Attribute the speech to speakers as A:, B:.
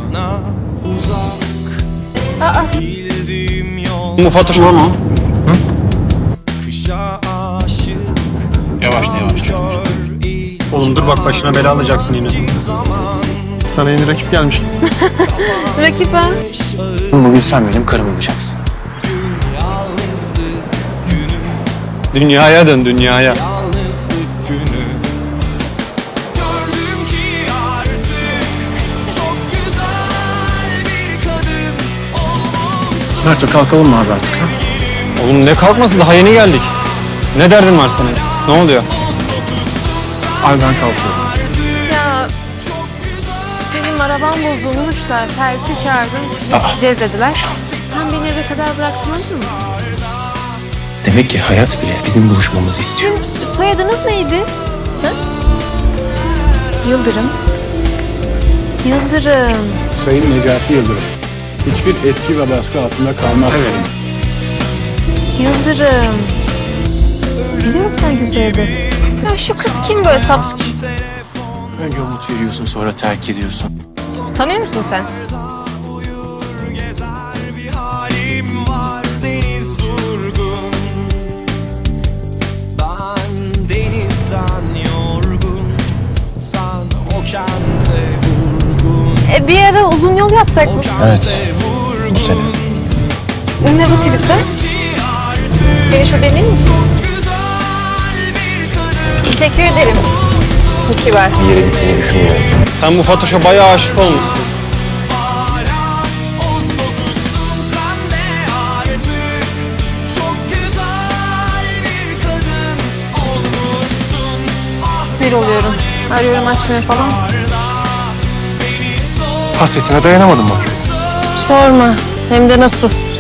A: Bu Fatoş mu?
B: Yavaş.
A: Oğlum dur bak başına bela alacaksın yine. Sana yeni rakip gelmiş.
C: Rakip ha?
B: Bugün sen benim karım olacaksın.
A: Dünyaya dön dünyaya.
B: Mert kalkalım mı abi artık? Ha?
A: Oğlum ne kalkması, daha yeni geldik. Ne derdin var senin? Ne oluyor?
B: Abi ben kalkıyorum.
C: Ya benim arabam bozulmuş da servisi çağırdım. Gideceğiz dediler. Sen beni eve kadar bıraksamadın mı?
B: Demek ki hayat bile bizim buluşmamızı istiyor.
C: Soyadınız neydi? Ha? Yıldırım. Yıldırım.
D: Sayın Necati Yıldırım, hiçbir etki ve baskı altında kalmak
B: Evet.
C: Yıldırım. Biliyorum sanki bu soyadı. Ya şu kız kim böyle sap?
B: Önce umut veriyorsun, sonra terk ediyorsun.
C: Tanıyor musun sen? Bir ara uzun yol yapsak mı?
B: Evet. Bu sene.
C: Ne bu tripte? Beni şurada inir misin? Teşekkür ederim. Çok kibarsın.
B: Bir yere gitmeyi düşünmüyorum.
A: Sen bu Fatoş'a bayağı aşık olmuşsun.
C: Bir oluyorum. Arıyorum açmıyor falan.
B: Hasretine dayanamadım bakıyorum.
C: Sorma. Hem de nasıl?